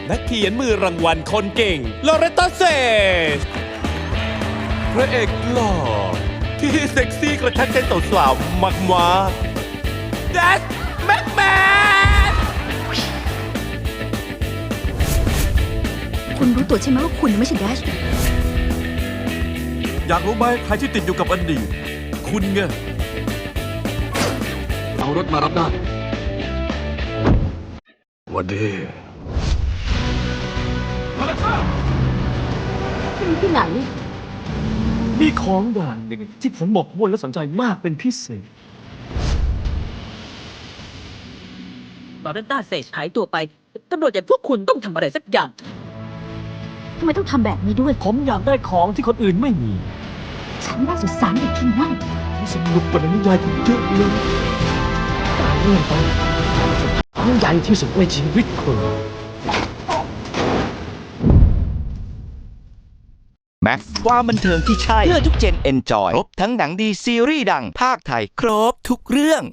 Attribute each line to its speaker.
Speaker 1: นักเขียนมือรางวัลคนเก่งลอเรตตาเซสพระเอกหล่อที่เซ็กซี่กระชักใจสาวๆมากๆแดชแม็กแมน
Speaker 2: คุณรู้ตัวใช่ไหมว่าคุณไม่ใช่แดช
Speaker 3: อยากรู้ไหมใครที่ติดอยู่กับอดีตคุณไง
Speaker 4: เอารถมารับได้
Speaker 3: วันดี
Speaker 2: ที่ไหน
Speaker 4: มีของอย่างหนึ่งที่ผมหมกมุ่นและสนใจมากเป็นพิเศษ
Speaker 5: ลอเรนต้าเซจหายตัวไปตำรวจอย่างพวกคุณต้องทำอะไรสักอย่าง
Speaker 2: ทำไมต้องทำแบบนี้ด้วย
Speaker 4: ผมอยากได้ของที่คนอื่นไม่มี
Speaker 2: ฉันน่าสงสารเด็กที่นั่น
Speaker 4: ที่สนุกกว่าในนิยายเยอะเลยตายเรื่องไปครั้งใหญ่ที่สุดในชีวิตคุณ
Speaker 6: แม็กซ์ความบันเทิงที่ใช่ เพื่อทุกเจนเอนจอย ครบทั้งหนังดีซีรีส์ดังภาคไทย ครบทุกเรื่อง